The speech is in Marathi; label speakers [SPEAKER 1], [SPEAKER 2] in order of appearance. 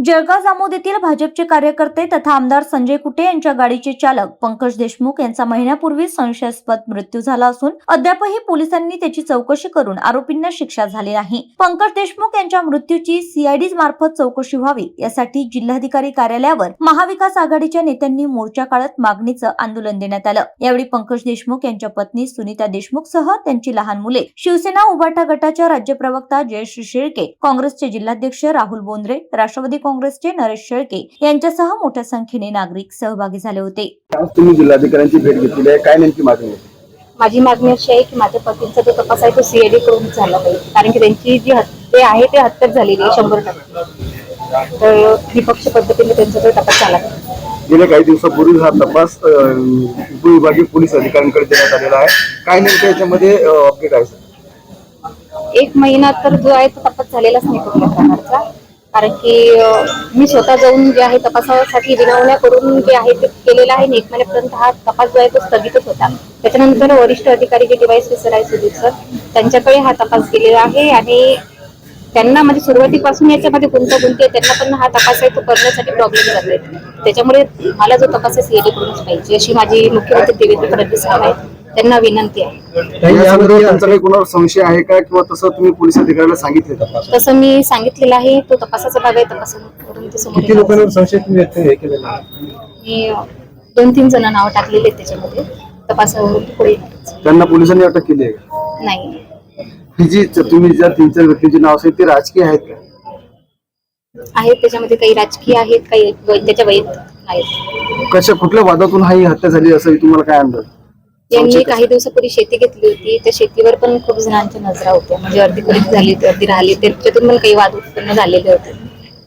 [SPEAKER 1] जळगाव जामोद येथील भाजपचे कार्यकर्ते तथा आमदार संजय कुटे यांच्या गाडीचे चालक पंकज देशमुख यांचा महिन्यापूर्वी संशयास्पद मृत्यू झाला असून अद्यापही पोलिसांनी त्याची चौकशी करून आरोपींना शिक्षा झाली नाही। पंकज देशमुख यांच्या मृत्यूची सीआयडी मार्फत चौकशी व्हावी यासाठी जिल्हाधिकारी कार्यालयावर महाविकास आघाडीच्या नेत्यांनी मोर्चा काढत मागणीचं आंदोलन देण्यात आलं। यावेळी पंकज देशमुख यांच्या पत्नी सुनीता देशमुख सह त्यांची लहान मुले, शिवसेना उभाटा गटाच्या राज्य प्रवक्ता जयश्री शेळके, काँग्रेसचे जिल्हाध्यक्ष राहुल बोंद्रे, राष्ट्रवादी काँग्रेसचे नरेश शेळके यांच्यासह मोठ्या संख्येने नागरिक सहभागी झाले होते।
[SPEAKER 2] तुम्ही जिल्हाधिकाऱ्यांची भेट घेतली आहे, काय नेमकी मागणी आहे?
[SPEAKER 3] माझी मागणी अशी आहे की माझ्या पतींचा जो तपास आहे तो सीआयडी करून झाला पाहिजे, कारण की त्यांची जी हत्या आहे ते हत्याच झालेली आहे 100%। तर निपक्ष पद्धतीने त्यांचा जो तपास झाला पाहिजे।
[SPEAKER 2] गेल्या काही दिवसापूर्वी हा तपास उपविभागीय पोलीस अधिकाऱ्यांकडे देण्यात आलेला आहे, काय नेमकं याच्यामध्ये अपडेट आहे?
[SPEAKER 3] 1 महिना तर जो आहे तो तपास झालेलाच नाही कुठल्या प्रकारचा, कारण की मी स्वतः जाऊन जे आहे तपासासाठी विनवण्या करून जे आहे ते केलेलं आहे। 1 महिन्यापर्यंत हा तपास जो आहे तो स्थगितच होता। त्याच्यानंतर वरिष्ठ अधिकारी जे डिवाइस ऑफिसर आहे सुधीर सर, त्यांच्याकडे हा तपास गेलेला आहे आणि त्यांना म्हणजे सुरुवातीपासून याच्यामध्ये गुंतागुंती आहे, त्यांना पण हा तपास आहे तो करण्यासाठी प्रॉब्लेम जाते। त्याच्यामुळे मला जो तपास आहे सीआयडी करूनच पाहिजे अशी माझी मुख्यमंत्री देवेंद्र फडणवीस साहेब आहेत त्यांना विनंती आहे।
[SPEAKER 2] त्यांचा काही कोणावर संशय आहे का किंवा तसं तुम्ही पोलीस अधिकाऱ्याला सांगितले?
[SPEAKER 3] तसं मी सांगितलेलं आहे, तो तपासाचा भाग आहे, तपासावरून ते समोर
[SPEAKER 2] किती लोकांवर संशय व्यक्त केलेला आहे?
[SPEAKER 3] मी 2-3 जण नाव टाकलेले आहेत त्याच्यामध्ये, तपासावरून पुढे
[SPEAKER 2] त्यांना पोलिसांनी अटक केली आहे?
[SPEAKER 3] नाही।
[SPEAKER 2] ही जी तुम्ही ज्या 3-4 व्यक्तींची नाव असेल ते राजकीय आहेत का?
[SPEAKER 3] आहेत, त्याच्यामध्ये काही राजकीय आहेत, काही त्याच्या वैयक्तिक आहेत।
[SPEAKER 2] कशा कुठल्या वादातून ही हत्या झाली असं तुम्हाला काय अंदाज?
[SPEAKER 3] त्यांनी काही दिवसापूर्वी शेती घेतली होती, त्या शेतीवर पण खूप जणांच्या नजरा होत्या, म्हणजे अर्धी खरेदी झाली होती, अर्धी राहिली, त्याच्यातून पण काही वाद उत्पन्न झालेले होते।